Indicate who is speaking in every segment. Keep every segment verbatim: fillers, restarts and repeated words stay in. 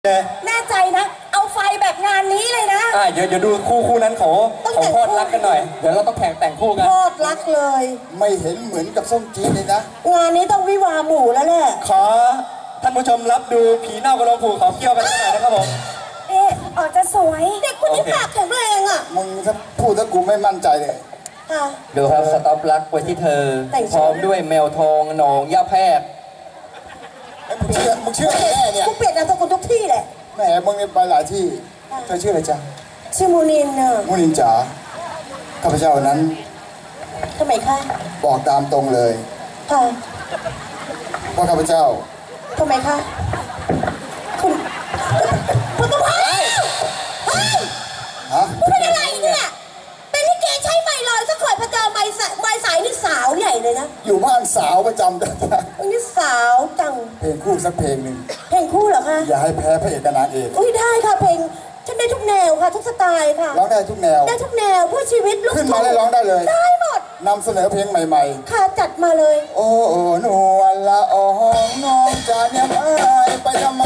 Speaker 1: แน่ใจนะเอาไฟแบบงานนี้เลยนะ
Speaker 2: อ่าเดี๋ยวเดี๋ยวดูคู่คู่นั้นเขาเขาพอดรักกันหน่อยเดี๋ยวเราต้องแข่งแต่งคู่กัน
Speaker 1: พอดรักเลย
Speaker 3: ไม่เห็นเหมือนกับส้มจี๊ดเลยนะ
Speaker 1: งานนี้ต้องวิวาหมู่แล้วแหละ
Speaker 2: ขอท่านผู้ชมรับดูผีเน่ากระโหลกผูเขาเกี่ยวกันหน่อยนะครับผม
Speaker 1: เอ๊ะออกจะสวยเด็กคนนี้ปากแข็งแรงอ่ะ
Speaker 3: มึงถ้าพูดถ้ากูไม่มั่นใจเลย
Speaker 2: ดูครับสต็อปรักไว้ที่เธอพร้อมด้วยแมวทองหนองย่าแพรก
Speaker 3: มึงเชื่อมึงเชื่อแม่เนี่ย
Speaker 1: กูเปลี่ยนนามสกุลทุกที่แหละ
Speaker 3: แม่มึงเนี่ยไปหลายที่เธอชื่ออะไรจ๊ะ
Speaker 1: ชื่อมูนินเนอะ
Speaker 3: มูนินจ๋าข้าพเจ้านั้น
Speaker 1: ทำไมคะ
Speaker 3: บอกตามตรงเลย
Speaker 1: ค่ะ
Speaker 3: ว่าข้าพเจ้า
Speaker 1: ทำไมคะคุณคุณต้องพายเฮ้ยฮะคุณเป็นอะไรเนี่ยเป็นลิเกใช้ไม้ลอยสักขอยพระเจ้าไม้สายไม้สายนี่สาวใหญ่เลยนะ
Speaker 3: อยู่บ้านสาวประจำแต่
Speaker 1: นี่สาวจัง
Speaker 3: เพลงคู่สักเพลงหนึ่ง
Speaker 1: เพลงคู่เหรอคะ
Speaker 3: อย่าให้แพ้พระเอกกับนางเอก
Speaker 1: อุ้ยได้ค่ะเพลงฉันได้ทุกแนวค่ะทุกสไตล์ค่ะ
Speaker 3: ร้องได้ทุกแนว
Speaker 1: ได้ทุกแนวเพื่อชีวิตลูก
Speaker 3: ขึ้นมาได้ร้องได้เลย
Speaker 1: ได้หมด
Speaker 3: นำเสนอเพลงใหม่
Speaker 1: ๆค่ะจัดมาเลย
Speaker 3: โอ้นวลละอองน้องจะเนี่ยไม่ไปทำไม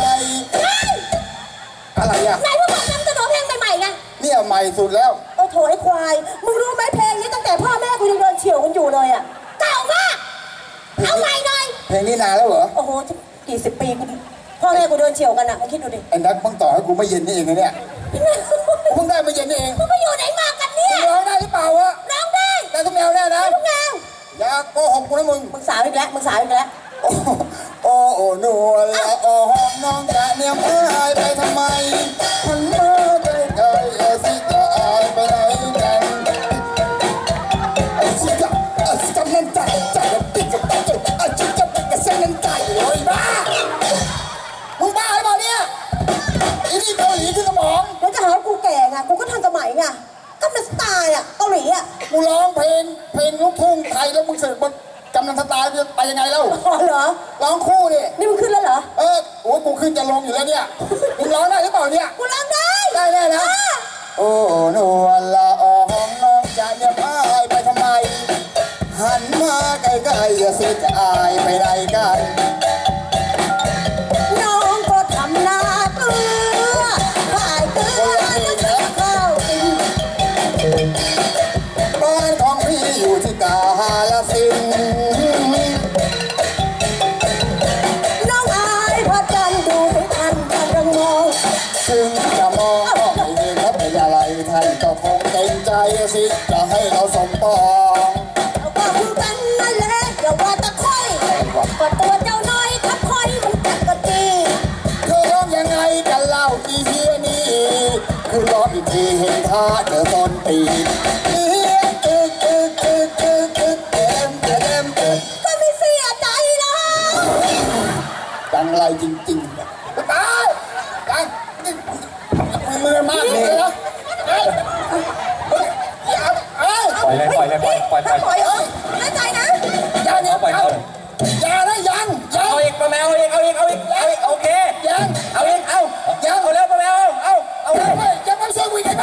Speaker 3: อะไรอ่ะ
Speaker 1: นายผู้บอกนำเสนอเพลงใหม่ๆไง
Speaker 3: เนี่ยใหม่สุดแล้ว
Speaker 1: โอ้โถไอ้ควายมึงรู้ไหมเพลงนี้ตั้งแต่พ่อแม่กูยังเดินเฉียวกันอยู่เลยอ่ะเก่ามากเอาใหม่หน่อย
Speaker 3: เพลงนี้นานแล้วเหรอ
Speaker 1: โอ้โหกี่สิบปีกูพ่อแม่กูเดินเฉียวกันอ่ะมึงคิดดูดิ
Speaker 3: ไอ้นักมึงต่อให้กูไม่เย็นนี่เองนะเนี่ยมึงได้ไม่เย็นนี่เอง
Speaker 1: มึงไปอยู่ไหนมากันเนี่ย
Speaker 3: ร้องได้หรือเปล่าวะ
Speaker 1: ร้องได้
Speaker 3: ได้ทุกแนวแน่นะ
Speaker 1: ทุกแนว
Speaker 3: อย่าโกหกกูนะมึง
Speaker 1: มึงสาวอีกแล้วมึงสาวอีกแล้ว
Speaker 3: โอ้โอ้นวลละอองน้องจะเนี่ยไม่ไปทำไมมันมาใกล้ๆเอสิจะอายไปไหนกันไอ้สิจะไอ้สิจะนั่นใจใจมันติดกับใจไอ้สิจะติดกับเส้นนั่นใจเลยบ้ามึงบ้าหรือเปล่าเนี่ยอีนี่เกาหลีคือสมอง
Speaker 1: แล้วจะหาว่ากูแก่ไงกูก็ทันสมัยไงก็เป็นสไตล์อ่ะเกาหลีอ่ะ
Speaker 3: กูร้องเพลงเพลงลูกทุ่งไทยแล้วมึงเสร็จมึงกำลังสไตล์ไปยังไงเล่า
Speaker 1: อ๋อเหรอ
Speaker 3: ร้องคู่ดิ
Speaker 1: นี่มึงขึ้นแล้วเหรอ
Speaker 3: เออโอ้กูขึ้นจะลงอยู่แล้วเนี่ยมึงร้องได้หรือเปล่าเนี่ย
Speaker 1: กูร้องได้
Speaker 3: ได้แน่นะโอ้นวลละอองน้องจะเนี่ยพายไปทำไมหันมาใกล้ๆอย่าสิจะอายไปไหนกัน
Speaker 1: น้องก็ทำหน้าเกลือขายเกลือจะเข้าสิ
Speaker 3: บ้านของพี่อยู่ที่กาฬสินธุ์
Speaker 1: น้องอายพระจันทร์ดูไม่ทันจะระงง
Speaker 3: ถึงจะมองก็ไม่เห็นว่าเป็นอะไรท่านก็คงเต็มใจสิจะให้เราสมปอง
Speaker 1: เอาก็คือกันนั่นแหละอย่าว่าตะค่อยก็ตัวเจ้าน้อยทับค่อยมันกัดกะจี
Speaker 3: เธอร้องยังไงกันเล่าอีเฮียนี่คือร้องอีกทีเห็นท่าเจอต้นตีเฮียตึกตึกตึกตึกตึกเต็มเต็มเต็ม
Speaker 1: ก็ไม่เสียใจนะ
Speaker 3: ดังไรจริงๆตายดังมือมากเลยนะ
Speaker 2: ปล่อยเลยปล่อยเลยปล่อยปล่อยปล่อย
Speaker 1: ปล่อยเอ้ยแน่ใจนะ
Speaker 3: อย่าเนี่ยเอาอย่านะยังยัง
Speaker 2: เอาอีกป้าแมวเอาอีกเอาอีกเอาอีกเอาอีกโอเค
Speaker 3: ยัง
Speaker 2: เอาอีกเอายังเอาแล้วป้าแมวเอาเอา
Speaker 3: เอาเลยยังไม่ช่วยกูอีกไหม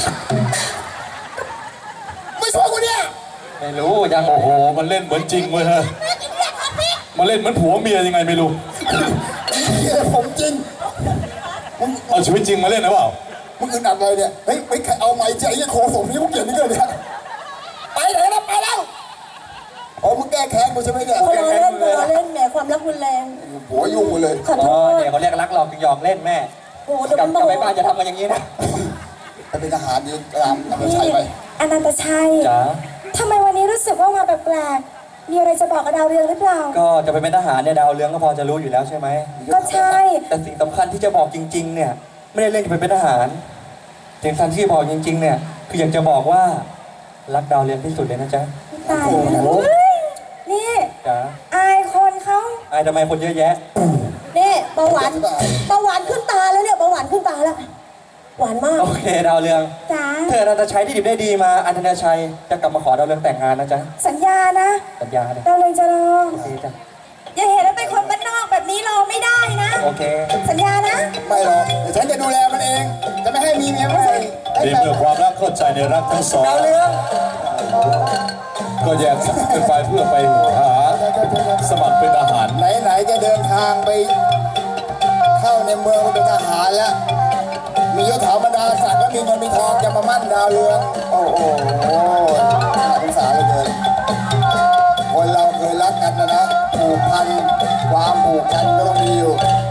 Speaker 3: ไม่ช่วยกูเนี่ย
Speaker 2: ไม่รู้ยังโอ้โหมันเล่นเหมือนจริงเว้ยฮะมันเล่นเหมือนผัวเมียยังไงไม่รู้
Speaker 3: ผมจริง
Speaker 2: เอาชีวิตจริงมาเล่นนะเปล่า
Speaker 3: มึงอึดอัดอะไรเนี่ยเฮ้ยไม่เอาไม้ใจไอ้โคสมนี่มึงเกลียดนี่เลยเนี่ยไปไหนแล้วไปแล้วอ๋อมึงแก้แค้นกูใช่ไหมเนี่ย
Speaker 1: เราเล่นเราเล่นแหมความรักรุนแรง
Speaker 3: หัวยุ่งหมดเลย
Speaker 1: ขอโทษ
Speaker 2: เนี่ยเขาเรียกรักหลอกจึงยอมเล่นแม่
Speaker 1: โอ้เดี๋ยว
Speaker 2: กลับไปบ้านจะทำกันอย่างนี้นะ
Speaker 3: ไปเป็นทหารดีตามอนันตชัยไป
Speaker 1: อนันตชัย
Speaker 2: จ๋า
Speaker 1: ทำไมวันนี้รู้สึกว่ามาแปลกๆมีอะไรจะบอกกับดาวเรืองหรือเปล่า
Speaker 2: ก็จะไปเป็นทหารเนี่ยดาวเรืองก็พอจะรู้อยู่แล้วใช่ไหม
Speaker 1: ก็ใช่
Speaker 2: แต่สิ่งสำคัญที่จะบอกจริงๆเนี่ยไม่ได้เล่นจะไปเป็นทหารสิ่งสำคัญที่บอกจริงๆเนี่ยคืออยากจะบอกว่ารักดาวเรืองที่สุดเลยนะจ๊ะ
Speaker 1: ตายนี่
Speaker 2: จ๋า
Speaker 1: อายคนเขา
Speaker 2: อายทำไมคนเยอะแยะ
Speaker 1: นี่เบาหวานเบาหวานขึ้นตาแล้วเนี่ยเบาหวานขึ้นตาแล้วหวานมาก
Speaker 2: โอเคดาวเรือง
Speaker 1: จ๋า
Speaker 2: เธออนันตชัยที่ดิบได้ดีมาอนันตชัยจะกลับมาขอดาวเรืองแต่งงานนะจ๊ะ
Speaker 1: สัญญานะ
Speaker 2: สัญญาเลย
Speaker 1: ดาวเรืองจะรอ
Speaker 2: โอเคจ้ะ
Speaker 1: อย่าเห็นว่าเป็นคนบ้านนอกแบบนี้รอไม่ได้นะ
Speaker 2: โอเค
Speaker 1: สัญญานะ
Speaker 3: ไม่หรอกเดี๋ยวฉันจะดูแลมันเองจะไม่ให้มีเมียไม่
Speaker 4: ดีเมื่อความรักเข้าใจในรักทั้งสอง
Speaker 2: ดาวเรือง
Speaker 4: ก็แยกกันไปเพื่อไปหาสมัครเป็นทหาร
Speaker 3: ไหนๆจะเดินทางไปเข้าในในเมืองก็เป็นทหารแล้วมียศถาบรรดาศักดิ์และมีเงินมีทองจะมามั่นดาวเรืองโอ้โหน่าสงสารเหลือเกินคนเราเคยรักกันนะนะผูกพันความผูกพันก็ต้องมีอยู่